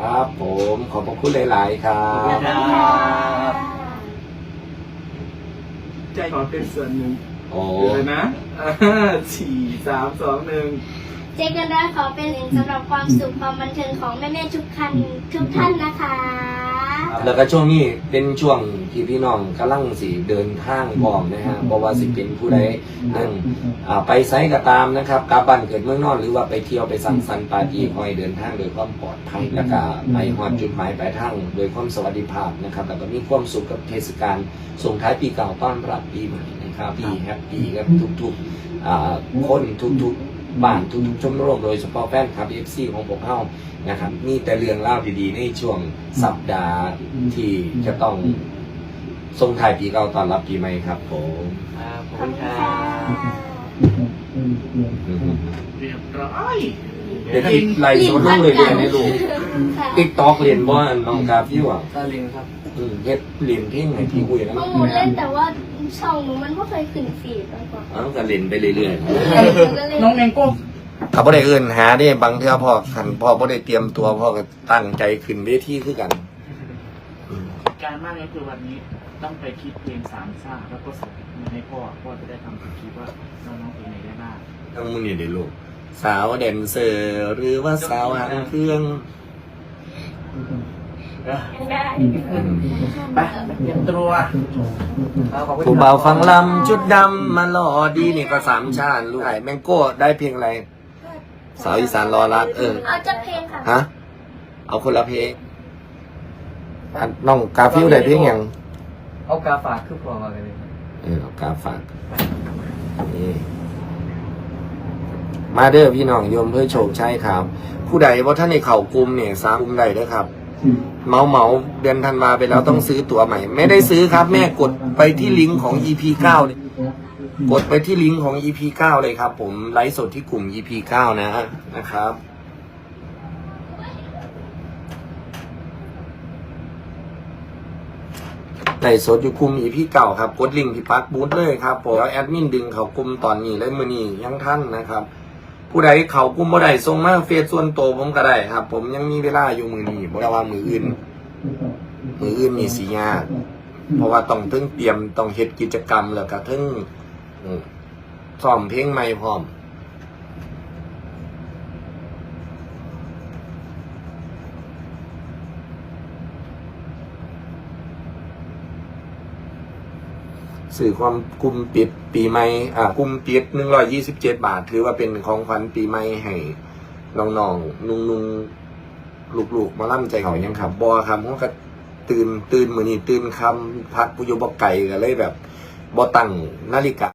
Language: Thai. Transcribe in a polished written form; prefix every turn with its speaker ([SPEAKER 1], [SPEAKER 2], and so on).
[SPEAKER 1] ครับผมขอบพระคุณหลายๆครั
[SPEAKER 2] ขอบบ คุณครับใจขอเป็นส่วนหนึ่ง
[SPEAKER 1] โอ้
[SPEAKER 2] เลยนะ4 3 2 1
[SPEAKER 3] เจกันได้ขอเป็นหนึ่งสำหรับความสุขความบันเทิงของแม่ๆทุกท่านนะคะ
[SPEAKER 1] แล้วก็ช่วงนี้เป็นช่วงที่พี่น้องกำลังสิเดินทางพร้อมนะฮะเพราะว่าสิเป็นผู้ใดนั่งไปไซต์ก็ตามนะครับกลับบ้านเกิดเมืองนอนหรือว่าไปเที่ยวไปสังสรรค์ปาร์ตี้คอยเดินทางโดยความปลอดภัยแล้วก็ไปฮอดจุดหมายปลายทางโดยความสวัสดิภาพนะครับแล้วก็มีความสุขกับเทศกาลส่งท้ายปีเก่าต้อนรับปีใหม่นะครับปีแฮปปี้กับทุกๆคนทุกๆบ้านทุกๆชมรมโดยเฉพาะแฟนคลับ FC ของพวกเรานะครับมีแต่เรื่องเล่าดีๆในช่วงสัปดาห์ที่จะต้องส่งท้ายปีเก่าต้อนรับปีใหม่ครับผม
[SPEAKER 2] ครับขอบ
[SPEAKER 3] ขอบ
[SPEAKER 2] คุณ
[SPEAKER 3] คุณ
[SPEAKER 2] ครั
[SPEAKER 3] ค่ะ
[SPEAKER 2] บเรียบร้อย
[SPEAKER 1] เดี๋ยวที่ไล่สดลงเลยเรียนในลูก
[SPEAKER 3] ค่ะ
[SPEAKER 1] ติ๊กต็อกเรียนบ้านน้องกาฟิวอ่ะ
[SPEAKER 2] ตาลิงครับ
[SPEAKER 1] เฮ็ดเรียนเพลงไหนพี่คุยนะ
[SPEAKER 3] ข้อมูลเล่นแต่ว่าช่องหนูมันไม่เคยขึ้นฟีดมาก่อน
[SPEAKER 1] ก็เรียนไปเรื่อย
[SPEAKER 2] น้องแมงโก้
[SPEAKER 1] ๆเขาบ่ได้เอื่นหาได้บางเทื่อพ่อขันพ่อบ่ได้เตรียมตัวพ่อก็ตั้งใจขึ้นเวทีคือกัน
[SPEAKER 4] การมากก็คือวันนี้ต้องไปคิดเพลงสามซ่าแล้วก็ส่งมาให้พ่อจะได้ทำคิดว่าน้องๆเพลงไหนได้บ้าง
[SPEAKER 1] ต้องมึงนี่เดี๋ยวลูกสาวแดนเซอร์หรือว่าสาวหางเครื่อง
[SPEAKER 3] ได้
[SPEAKER 2] ไปเตรียมตัวขอบคุณ
[SPEAKER 1] ผู้เบาฟังลำชุดดำมาหล่อดีนี่ก็สามชาติลูกไอ้แมงโก้ได้เพลงอะไรสาวอีสานรอรัก
[SPEAKER 3] เอาจะเพลงค่ะ
[SPEAKER 1] ฮะเอาคนละเพลงน้องกาฟิวได้เพลงยัง
[SPEAKER 2] เอากาฝากคือพอมาเลย
[SPEAKER 1] เอากาฝากนี่มาเด้อพี่น้องโยมเพื่อโชคชัยครับ ผู้ใดว่าท่านในเข่ากลุ่มเนี่ยสามกลุ่มใดเด้อครับเมาเดือนธันวาไปแล้วต้องซื้อตั๋วใหม่ ไม่ได้ซื้อครับ แม่กดไปที่ลิงก์ของ EP 9เลยกดไปที่ลิงก์ของ EP 9เลยครับ ผมไลฟ์สดที่กลุ่ม EP 9นะครับไลฟ์สดอยู่กลุ่ม EP 9ครับกดลิงก์ที่ปักบูธเลยครับผมแล้วแอดมินดึงเขากลุ่มตอนนี้เลยมื้อนี้ยังท่านนะครับผู้ใดเขากลุ่มบ่ได้ส่งมาเฟซส่วนตัวผมก็ได้ครับ ผมยังมีเวลาอยู่มื้อนี้บ่ได้ว่ามื้ออื่นนี่สิยากเพราะว่าต้องเตรียมต้องเฮ็ดกิจกรรมแล้วก็ซ้อมเพลงใหม่พร้อมสื่อความกลุ่มปิดปีใหม่กลุ่มปิด127 บาทถือว่าเป็นของขวัญปีใหม่ให้น้องๆนุ่งลูกๆมาล่ำใจเขายังครับบ่ครับผมก็ตื่นมื้อนี้ตื่นคำพักผู้อยู่บ่ไกลก็เลยแบบบ่ตั้งนาฬิกา